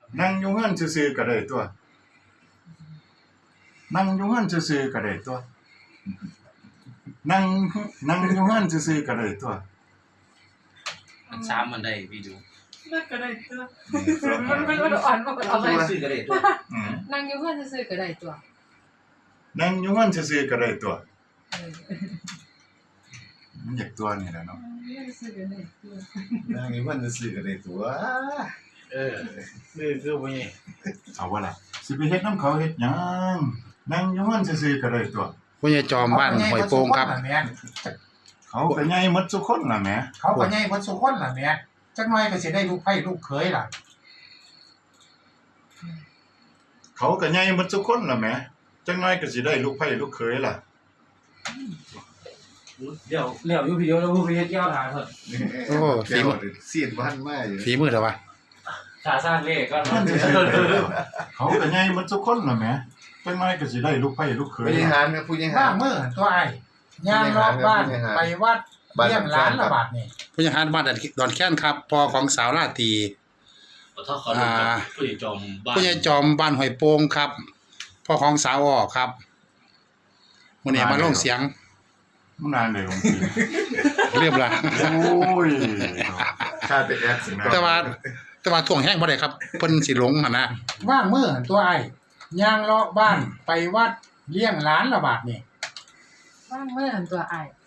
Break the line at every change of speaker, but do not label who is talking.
นั่งอยู่เฮือนซื่อๆก็ได้ตัวนั่งอยู่เฮือนซื่อๆก็ได้ตัวนั่งอยู่เฮือนซื่อๆก็ได้ตัว
มันซ้ำมันได้พี่ดู
นั่งก็ได้ตัวมันอ่อนมากกว่าเอาไป
ซื้อก็ได้ตัว
นั่งอยู่เพื่อนซื่อๆก็ได้ตัว
นั่งอยู่เฮือนซื่อๆก็ได้ตัวมันอยากตัวนี่แหละเนาะ
ซื่อๆก็ได้ตัว
นั่งอยู่มันจะซื้อก็ได้ตัวคือบ่นี่
เอาว่าล่ะสิไปเฮ็ดน้ำเขาเฮ็ดหยังนั่งอยู่เฮือนซื่อๆก็ได้ตัว
ผู้ใหญ่จอมบ้านห้วยโป่งครับ
เขาก็ใหญ่หมดทุกคนล่ะแหม
เขาก็ใหญ่เบิดซุคนล่ะแม่จักหน่อยก็สิได้ลูกไผลูกเขยล่ะ
เขาก็ใหญ่หมดทุกคนล่ะแหมจังน้อยก็สิได้ลูกไผลูกเขยล่ะ
เดี๋ยวอยู่พี่เดียวแล้วผู้ไปเฮ็ดยอดหาเถอะ
โอ้
ฝีมือซีดบ้านมาอยู่
ฝีมือเถอะวะ
ขาสร้างเลขก็
เฮือนซื่อๆก็ได้ตัวเขาก็ใหญ่หมดทุกคนล่ะแหมจังน้อยก็สิได้ลูกไผลูกเขย
ผู้บริ
ล่ะ
หารครับผู้บริหา
บ้าร มื้อตัวอ้ายย่างรอบบ้านไปวัดเลี้ยงหลานละบาดนี่
ผู้ใหญ่บ้านดอนแค้นครับพ่อของสาวราตรี
ถ้าเขาดูกับผู้ใหญ่จอมบ้าน
ผู้ใหญ่จอมบ้านห้วยโป่งครับพ่อของสาวอ้อครับมื้อนี้มาลงเสียง
มันนานเลยของพี่
เรียบละ
โอ้ยค่าแต่แอดสินะ
แต่ว่าท่วงแห้งบ่ได้ครับเพิ่นสิหลงหั่นนะ
ว่างมื้อตัวอ้ายย่างรอบบ้านไปวัดเลี้ยงหลานละบาดนี่
ว่างเมื่อหันตัวอ้าย